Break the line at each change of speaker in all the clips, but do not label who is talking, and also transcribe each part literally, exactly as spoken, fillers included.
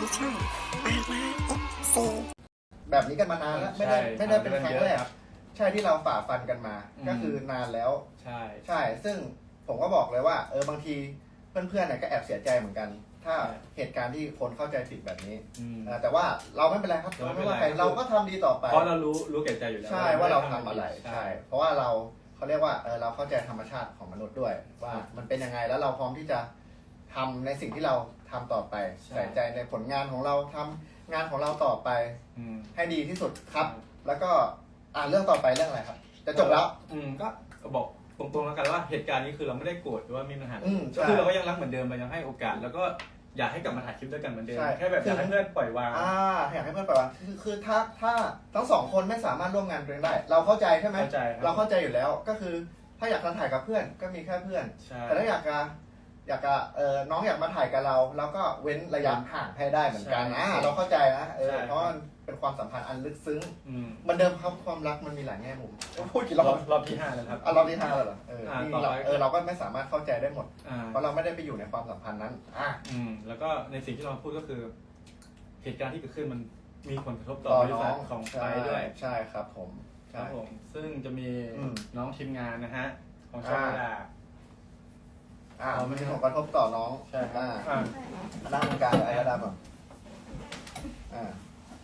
ช่องปาราเอฟซี
แบบนี้กันมานานแล้วไม่ได้ไม่ได้เป็นครั้งแรกใช่ที่เราฝ่าฟันกันมาก็คือนานแล้ว
ใช่
ใช่ซึ่งผมก็บอกเลยว่าเออบางทีเพื่อนๆเนี่ยก็แอบเสียใจเหมือนกัน ถ้าเหตุการณ์ที่คนเข้าใจผิดแบบนี้แต่ว่าเราไม่เป็นไรครับเราไม่ว่าใครเราก็ทำดีต่อไป
เพราะเรารู้รู้แก่ใจอยู่แล้ว
ใช่ว่าเราทำอะไรใช่เพราะว่าเราเขาเรียกว่าเออเราเข้าใจธรรมชาติของมนุษย์ด้วยว่ามันเป็นยังไงแล้วเราพร้อมที่จะทำในสิ่งที่เราทำต่อไปใส่ใจในผลงานของเราทำงานของเราต่อไปให้ดีที่สุดครับแล้วก็อ่านเรื่องต่อไปเรื่องอะไรครับจะจบแล้ว
อืมก็บอกตรงๆแล้วกันว่าเหตุการณ์นี้คือเราไม่ได้โกรธหรือว่ามีปัญหาก็คือเราก็ยังรักเหมือนเดิมเรายังให้โอกาสแล้วก็อยากให้กลับมาถ่ายคลิปด้วยกันเหมือนเดิมแค่แบบอยากให้เพื่อนปล่อยวาง
อ่าอยากให้เพื่อนปล่อยวางคือคือถ้าถ้าทั้งสองคนไม่สามารถร่วมงานกันได้เราเข้าใจใช่ไหม
เข้าใจ
เราเข้าใจอยู่แล้วก็คือถ้าอยากจะถ่ายกับเพื่อนก็มีแค่เพื่อนแต่ถ้าอยากจะอยากจะเออน้องอยากมาถ่ายกับเราเราก็เว้นระยะห่างให้ได้เหมือนกันนะเราเข้าใจนะเออเพราะมันเป็นความสัมพันธ์อันลึกซึ้งมันเดิมครับความรักมันมีหลายแง่มุมพูดกี่รอบ
รอบที่ห้าแล้วครับ
อ่ะรอบที่ห้าแล้วเหรอเออเออเราก็ไม่สามารถเข้าใจได้หมดเพราะเราไม่ได้ไปอยู่ในความสัมพันธ์นั้นอ่ะ
อืมแล้วก็ในสิ่งที่เราพูดก็คือเหตุการณ์ที่เกิดขึ้นมันมีผลกระทบต่อบริษัทของไปด้วย
ใช่ครับผม
ครับผมซึ่งจะมีน้องทีมงานนะฮะของช่องดา
อ่ามันมีผลกระทบต่อน้อง
ใช่ครับ
อ่าด้านการอะไรก็ได้แบบอ่า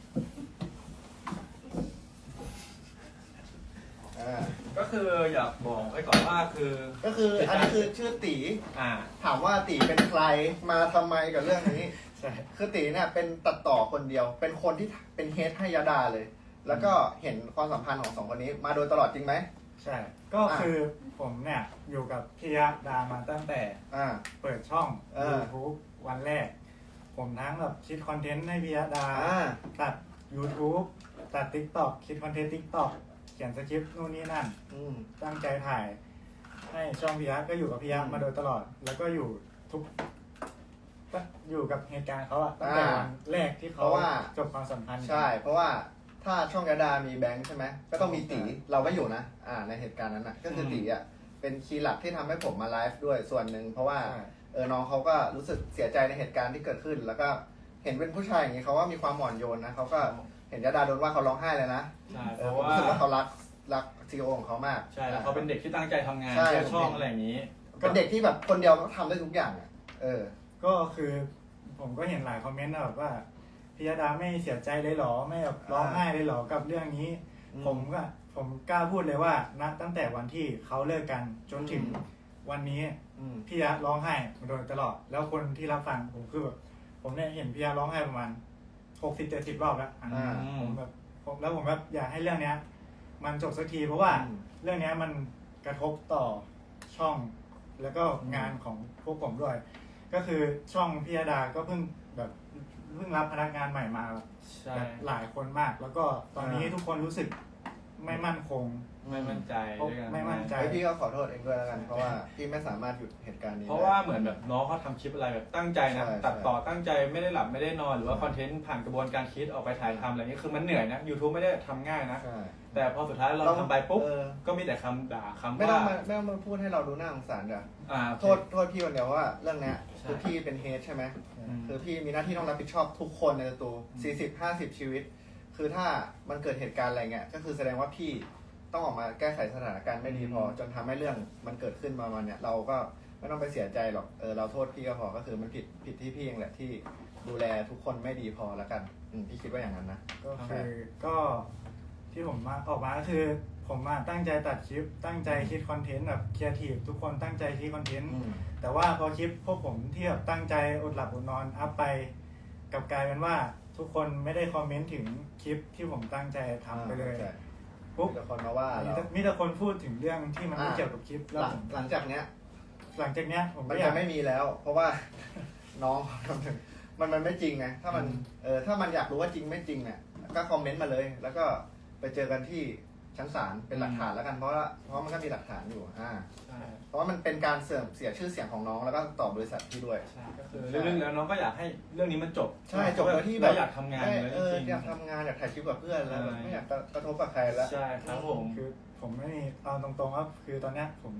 อ่า
ก็คืออยากบอกไว้ก่อนว่าคือ
ก็คืออันนี้คือชื่อตี
อ่า
ถามว่าตีเป็นใครมาทำไมกับเรื่องนี้
ใช่
คือตีเนี่ยเป็นตัดต่อคนเดียวเป็นคนที่เป็นเฮดให้ยาดาเลยแล้วก็เห็นความสัมพันธ์ของสองคนนี้มาโดยตลอดจริงไหม
ใช่ก็คือผมเนี่ยอยู่กับพี่ยะดามาตั้งแต่เปิดช่อง YouTube วันแรกผมทั้งแบบคิดคอนเทนต์ให้พี่ยะดาตัด YouTube ตัด TikTok คิดคอนเทนต์ TikTok เขียนสคริปต์นู่นนี่นั่นตั้งใจถ่ายให้ช่องพี่ยะก็อยู่กับพี่ยะมาโดยตลอดแล้วก็อยู่ทุกอยู่กับเหตุการณ์เขาอะตั้งแต่วันแรกที่เขาจบความสัมพันธ์
ใช่เพราะว่าถ้าช่องยาดามีแบงค์ใช่ไหมก็ต้องมีตีเราไม่อยู่นะอ่าในเหตุการณ์นั้นนะก็คือตีอ่ะเป็นคีย์หลักที่ทำให้ผมมาไลฟ์ด้วยส่วนหนึ่งเพราะว่าเออน้องเขาก็รู้สึกเสียใจในเหตุการณ์ที่เกิดขึ้นแล้วก็เห็นเป็นผู้ชายอย่างนี้เขาว่ามีความอ่อนโยนนะเขาก็เห็นยาดาโดนว่าเขาร้องไห้เลยนะ
เพราะว่า
รู้สึกว่าเขารักรักซีโอของเขามาก
ใช่แล้วเขาเป็นเด็กที่ตั้งใจทำงานเพื่อช่องอะไรอย่างนี้
เป็นเด็กที่แบบคนเดียวก็ทำได้ทุกอย่างอ่ะเออ
ก็คือผมก็เห็นหลายคอมเมนต์แบบว่าพี่ยาดาไม่เสียใจเลยหรอไม่แบบร้องไห้เลยหรอกับเรื่องนี้ผมก็ผมกล้าพูดเลยว่านะตั้งแต่วันที่เขาเลิกกันจนถึงวันนี้พี่ยาร้องไห้มาโดยตลอดแล้วคนที่รับฟังผมคือแบบผมเนี่ยเห็นพี่ยาร้องไห้ประมาณหกสิบเจ็ดสิบรอบแล้วผมแบบผมแล้วผมแบบอยากให้เรื่องเนี้ยมันจบสักทีเพราะว่าเรื่องนี้มันกระทบต่อช่องแล้วก็งานของพวกผมด้วยก็คือช่องพี่ยาดาก็เพิ่งแบบเพิ่งรับพนักงานใหม่มาแบบหลายคนมากแล้วก็ตอนนี้ทุกคนรู้สึกไม่มั่นคง
ไม่มั่นใจ
ไม่มั่นใจ
พี่ก็ขอโทษเองด้วยแล้วกันเพราะว่าพี่ไม่สามารถหยุดเหตุการณ์นี้
เพราะว่าเหมือนแบบน้องเขาทำคลิปอะไรแบบตั้งใจนะตัดต่อตั้งใจไม่ได้หลับไม่ได้นอนหรือว่าคอนเทนต์ผ่านกระบวนการคิดออกไปถ่ายทำอะไรนี้คือมันเหนื่อยนะ YouTube ไม่ได้ทำง่ายนะแต่พอสุดท้ายเราทำไปปุ๊บก็มีแต่คำด่าคำว่า
ไม่ต้องมาไม่ต้องมาพูดให้เราดูน่าสงสารจ้ะโทษโทษพี่คนเดียวว่าเรื่องนี้คือพี่เป็นเฮดใช่ไหมคือพี่มีหน้าที่ต้องรับผิดชอบทุกคนในตัวสี่สิบ ห้าสิบชีวิตคือถ้ามันเกิดเหตุการณ์อะไรเงี้ยก็คือแสดงว่าพี่ต้องออกมาแก้ไขสถานการณ์ไม่ดีพอจนทำให้เรื่องมันเกิดขึ้นมาวันเนี้ยเราก็ไม่ต้องไปเสียใจหรอกเออเราโทษพี่ก็พอก็คือมันผิดผิดที่พี่เองแหละที่ดูแลทุกคนไม่ดีพอแล้วกันพี่คิดว่าอย่างนั้นนะ
ก็คือก็ที่ผมมาออกมาก็คือผมมาตั้งใจตัดคลิปตั้งใจคิดคอนเทนต์แบบครีเอทีฟทุกคนตั้งใจคิดคอนเทนต์แต่ว่าพอคลิปพวกผมที่แบบตั้งใจอดหลับอดนอนอัพไปกลับกลายเป็นว่าทุกคนไม่ได้คอมเมนต์ถึงคลิปที่ผมตั้งใจทำไปเลย
ปุ๊บมีแต่คนมาว่า
มีแต่คนพูดถึงเรื่องที่มันไม่เกี่ยวกับคลิป
แล้วหลังจากเนี้ย
หลังจากเนี้ยผม
ก็ยังไม่มีแล้วเพราะว่าน้องทำถึงมันมันไม่จริงไงถ้ามันเออถ้ามันอยากรู้ว่าจริงไม่จริงเนี่ยก็คอมเมนต์มาเลยแล้วก็ไปเจอกันที่ชั้นศาลเป็นหลักฐานแล้วกันเพราะว่าเพราะมันก็มีหลักฐานอยู่อ่าเพราะว่ามันเป็นการเสื่อมเสียชื่อเสียงของน้องแล้วก็ต่อบริษัทที่ด้วย
ก็คือเรื่องแล้วน้องก็อยากให้เรื่องนี้มันจบ
ใช่จบแล้วที่แบบ
อยากทำงานเลย
จริงอยากทำงานอยากถ่ายคลิปกับเพื่อนแล้วไม่อยากกระทบกับใครแล้ว
ใช่ครับผม
คือผมไม่มีเอาตรงๆว่าคือตอนนี้ผมแบบ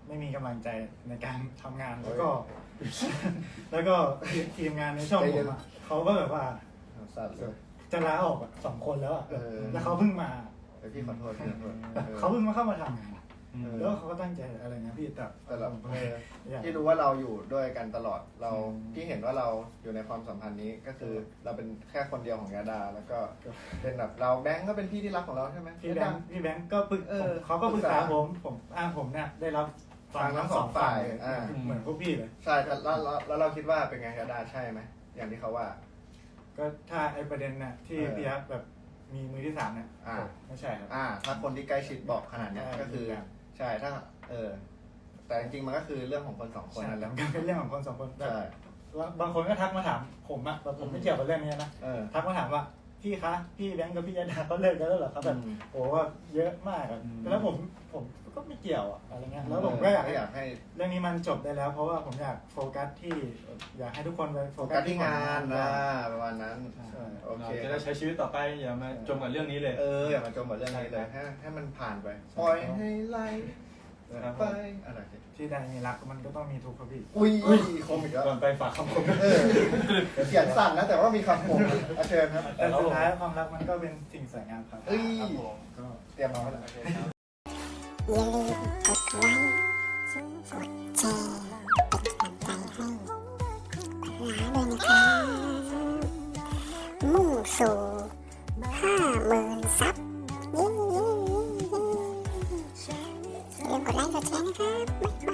ไม่มีกำลังใจในการทำงานแล้วก็ แล้วก็ทีมงานในช่องผมอะเขาก็แบบว่า
สัตว์เลย
จะลาออกอะสองคนแล้วอะ
เออ
แล้วเขาเพิ่งมา
เดี๋ยวพี่ขอโทษพี่ขอโทษออ
เขาเพิ่งมาเข้ามาทำงาน
อืม
แล้วเขาก็ตั้งใจอะไรนะพี่แต่
แต่เรา
ผมก็
เออ
อยาก
พี่รู้ว่าเราอยู่ด้วยกันตลอดเรา
อืม
พี่เห็นว่าเราอยู่ในความสัมพันธ์นี้ก็คือเราเป็นแค่คนเดียวของยาดา แล้วก็เป็นแบบเราแบงก์ก็เป็นพี่ที่รักของเราใช่ไหม
พี่แบงค์พี่แบงค์ก็ปรึก
เออ
ผมเขาก็ปรึกษา
ปรึกษา
ผมผมอ่าผมเนี่ยได้รับ
ฟังทั้งสองฝ่าย
เลย
อ่า
เหมือนพวกพี่เลย
ใช่แต่แล้วแล้วแล้วเราคิดว่าเป็นไงยาดาใช่ไหมอย่างที่เขาว่า
ก็ถ้าไอประเด็นน่ะที่
เออ
พี่ฮับแบบมีมือที่สามเนี่ย
อ่า
ไม่ใช่ครับ
อ่า ถ้าคนที่ใกล้ชิดบอกขนาดเนี้ย
ใช่
ก็คือ ใช่ถ้า เออ แต่จริงๆมันก็คือเรื่องของคนสองคน
ใช่
นั่นแห
แล้ว
ละ
มันก็เป็นเรื่องของคนสองคนแบบ
ใช่
ว่าบางคนก็ทักมาถามผมอะแต่ผมไม่เกี่ยวกับเรื่องนี้นะ
เออ
ทักมาถามว่าพี่คะพี่แบงค์กับพี่ยาดาเขาเลิกกันแล้วเหรอครับแบบ
อืม
โอ้ว่าเยอะมากอะ
อืม
แล้วผมผมก็ไม่เกี่ยวอะอะไรเงี้ยแล้วผมก็อยาก
เออ
ให้
อยากให้
เรื่องนี้มันจบได้แล้ว เพราะว่าผมอยากโฟกัสที่อยากให้ทุกคนไปโฟ
โฟ
กั
กั
ส
ส
ที่
ที่
งาง
าน
น
นะประมาณนั้น
ใช่
โอเค
เราจะได้ใช้ชีวิตต่อไปอย่ามาจมกับเรื่องนี้เลย
เอออย่ามาจมกับเรื่องนี้เลยให้ให้มันผ่านไป ปล่อยให้ไหล
ครับ
ไปอะไร
ที่ใดมีรักมันก็ต้องมีทุกข์ครับพี่
อุ้ยคมอีกแล้ว
ก่อนไปฝากคำคม
เออเขียนสั่นนะแต่ว่ามีคำคมอาเชิญครับ
แต่สุดท้ายความรักมันก็เป็นสิ่งสวยงามครับ
เอ้ย
ครับผม
ก็
เตรียมมาไว้แล้ว
โอเคครับ
อย่าลืมกดไลค์กดแชร์เป็นกำลังใจให้ขวัญล้าด้วยนะครับมุ่งสู่ห้าหมื่นซับเย้ๆๆอย่าลืมกดไลค์กดแชร์นะครับบ๊ายบาย